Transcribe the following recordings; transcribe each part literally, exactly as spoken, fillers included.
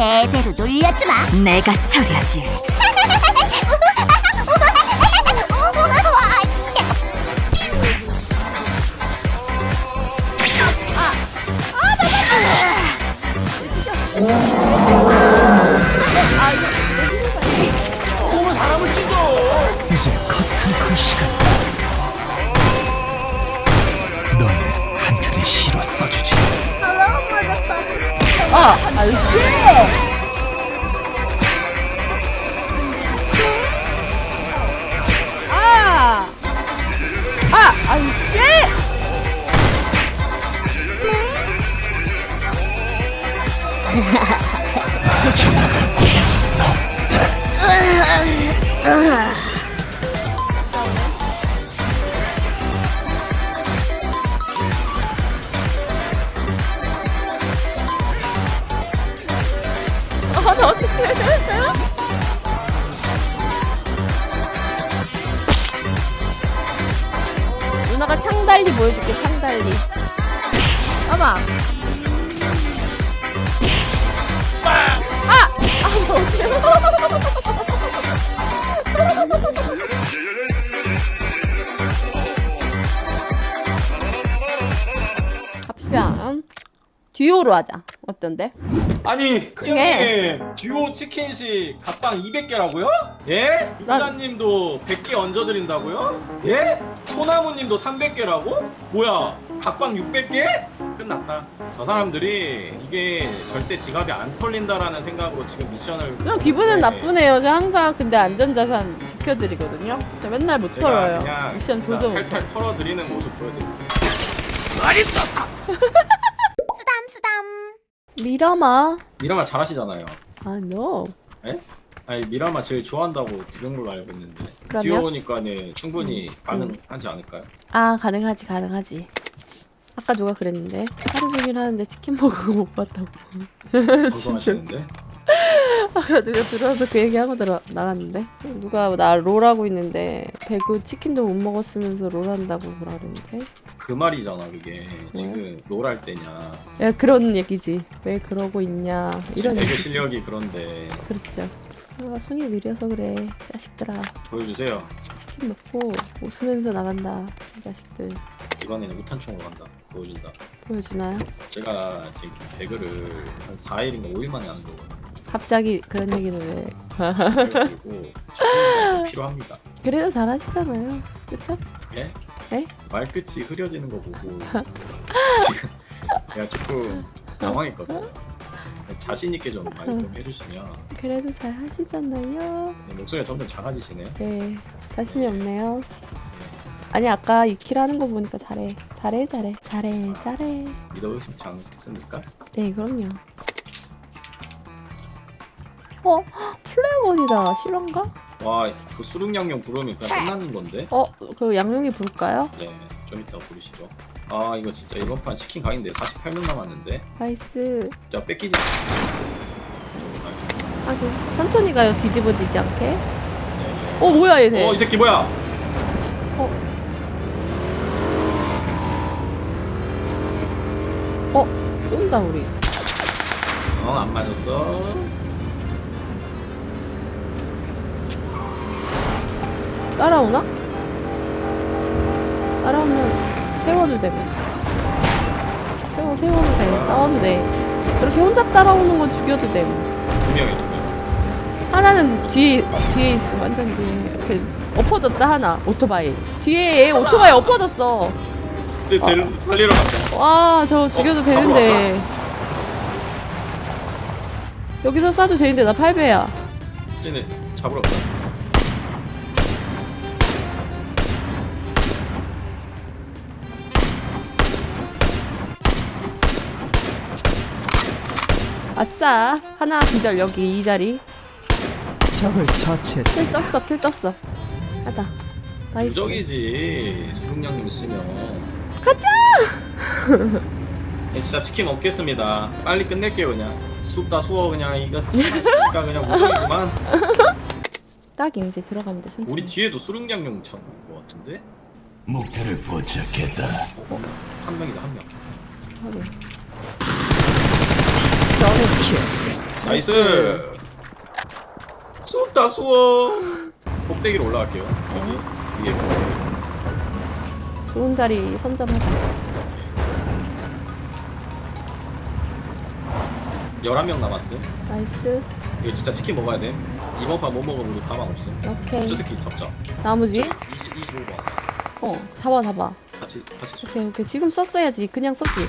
제대로 놀려주마. 내가 처리하지. 너무 사람을 찢어. 이제 커튼 콜 시간. 넌 한편의 시로 써주지. 아, 아이씨. 아, 아, 아이씨. 아, 나 어떡해. 누나가 창달리 보여줄게, 창달리. 봐봐. 아! 아, 뭐 어떡해. 갑시다. 듀오로 하자. 어떤데? 아니 중에. 형님 듀오 치킨식 각방 이백 개라고요? 예? 난- 부자님도 백 개 얹어드린다고요? 예? 소나무님도 삼백 개라고? 뭐야 각방 육백 개? 끝났다. 저 사람들이 이게 절대 지갑이 안 털린다라는 생각으로 지금 미션을 그냥 기분은 네. 나쁘네요. 저 항상 근데 안전자산 지켜드리거든요. 저 맨날 못 제가 털어요. 그냥 미션 진짜 조도 못 탈탈 털어드리는 모습 보여드릴게요. 쓰담쓰담. 미라마. 미라마 잘하시잖아요. 아, no. 예? 아니 미라마 제일 좋아한다고 들은 걸로 알고 있는데 그러면? 듀오니까는 충분히 가능하지 않을까요? 아, 가능하지, 가능하지. 아까 누가 그랬는데 하루 종일 하는데 치킨 먹은 거 못 봤다고. 방송하시는데 아까 누가 들어와서 그 얘기하고 들어 나갔는데 누가 나 롤하고 있는데 배그 치킨도 못 먹었으면서 롤한다고 뭐라 그랬는데 그 말이잖아 그게 지금 롤 할 때냐 야 그런 얘기지. 왜 그러고 있냐 지금 이런 배그 얘기지. 실력이 그런데 그렇죠. 아, 손이 느려서 그래 자식들아. 보여주세요. 치킨 먹고 웃으면서 나간다 이 자식들. 이번에는 우탄총으로 간다. 보여준다. 보여주나요? 제가 지금 배그를 한 사 일인가 오 일 만에 하는 거거든요. 갑자기 그런 얘기는 왜. 그리고 좀 필요합니다. 그래도 잘하시잖아요. 그쵸? 예? 에? 말끝이 흐려지는 거 보고 지금 제가 조금 당황했거든요. 자신 있게 좀 말 좀 해주시면. 그래도 잘하시잖아요. 네, 목소리가 점점 작아지시네요. 네 자신이 없네요. 아니 아까 이 킬 하는 거 보니까 잘해 잘해 잘해 잘해 잘해. 믿어주시지 않습니까? 네 그럼요. 어? 플레어건이다. 실화인가? 와, 그 수륙양념 부르면 그냥 끝나는 건데? 어? 그 양용이 부를까요? 네, 좀 이따 부르시죠. 아, 이거 진짜 이번 판 치킨 강인데 사십팔 명 남았는데? 나이스. 진짜 뺏기지. 하긴 천천히 가요. 뒤집어지지 않게. 네. 어 뭐야 얘네. 어, 이 새끼 뭐야? 어? 쏜다 우리. 어, 안 맞았어. 따라오나? 따라오면 세워도 되고. 세워 세워도 돼. 싸워도 돼. 그렇게 혼자 따라오는 건 죽여도 돼. 두 명이 두 명. 하나는 뒤에 뒤에 있어. 완전 뒤에. 이렇게 엎어졌다 하나. 오토바이. 뒤에 얘 오토바이 엎어졌어. 이제 델 살리러 갔다. 와, 저거 죽여도 어, 되는데. 여기서 쏴도 되는데 나 팔 배야. 쟤네 잡으러 갔다. 아싸. 하나 기절 여기 이 자리. 적을 처치했어. 킬 떴어. 킬 떴어. 가자. 나이스. 무적이지. 수륙양념 있으면. 가자. 예, 진짜 치킨 먹겠습니다. 빨리 끝낼게요 그냥. 춥다 수워 그냥 이거 치니까 그냥 무적이구만. 딱 이제 들어가면 돼. 천천히. 우리 뒤에도 수륙양념 찾는 거 같은데? 목표를 포착했다. 어? 한 명이다 한 명. 확인. 더블 킬. 나이스. 수업다 수업. 꼭대기로 올라갈게요. 여기 위에. 좋은 자리 선점하자. 열한 명 남았어. 나이스. 이거 진짜 치킨 먹어야 돼. 이번 판 못 먹으면 우리 가망 없어. 오케이. 저 새끼 잡자. 나머지? 이십, 이십오 번. 어, 잡아 잡아. 같이 같이 쏘. 오케이 오케이. 지금 썼어야지. 그냥 썼지.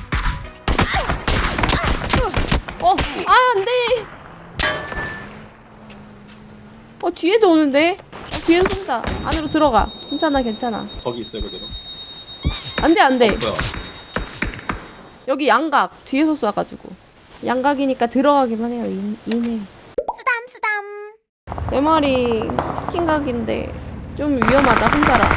어, 아 안돼. 어 뒤에도 오는데. 어, 뒤에도 쏜다. 안으로 들어가. 괜찮아 괜찮아. 거기 있어요 그대로. 안돼 안돼. 어, 뭐야? 여기 양각 뒤에서 쏴가지고. 양각이니까 들어가기만 해요. 인, 인해. 쓰담 쓰담. 내 말이 치킨 각인데 좀 위험하다 혼자라.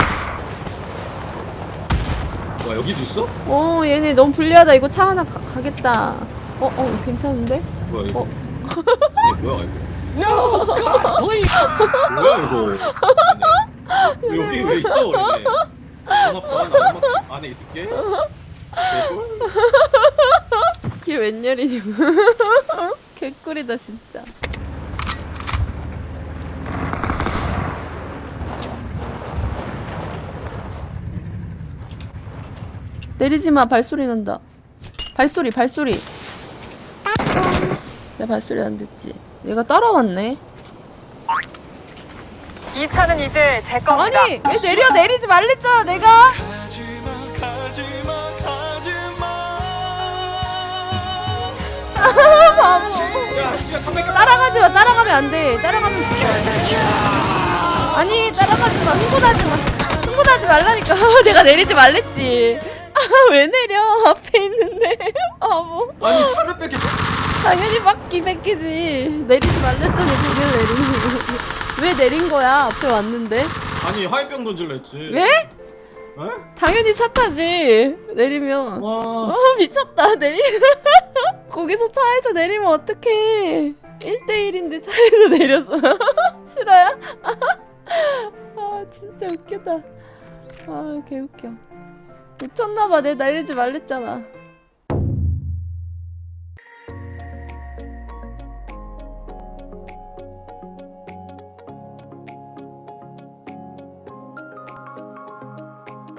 뭐야 여기도 있어? 어 얘네 너무 불리하다. 이거 차 하나 가, 가겠다. 어 어 괜찮은데? 뭐야 이거? 어. 이게 뭐야 이거? 뭐야 이거? 얘네. 여기 왜 있어? 얘네. 고맙다. 나 음악 안에 있을게. 개꿀? 이게 웬열이지? 개꿀이다 진짜. 내리지마. 발소리 난다. 발소리 발소리. 내 발소리 안 듣지? 얘가 따라왔네. 이 차는 이제 제 겁니다. 아니 왜 내려. 내리지 말랬잖아 내가. 바보. 야 씨야 천백. 따라가지 마. 따라가면 안 돼. 따라가면 죽어. 아니 따라가지 마. 흥분하지 마. 흥분하지 말라니까. 내가 내리지 말랬지. 아, 왜 내려? 앞에 있는데. 바보. 아니 차를 뺏겼어. 당연히 바퀴 뺏기지. 내리지 말랬더니 그냥 내리는 거. 왜 내린 거야? 앞에 왔는데. 아니 화이병 던질라 했지. 왜? 에? 당연히 차 타지. 내리면. 와. 어 미쳤다. 내리. 거기서 차에서 내리면 어떡해. 일 대 일인데 차에서 내렸어. 싫어요? 아 진짜 웃기다. 아 개웃겨. 미쳤나봐. 내 내리지 말랬잖아.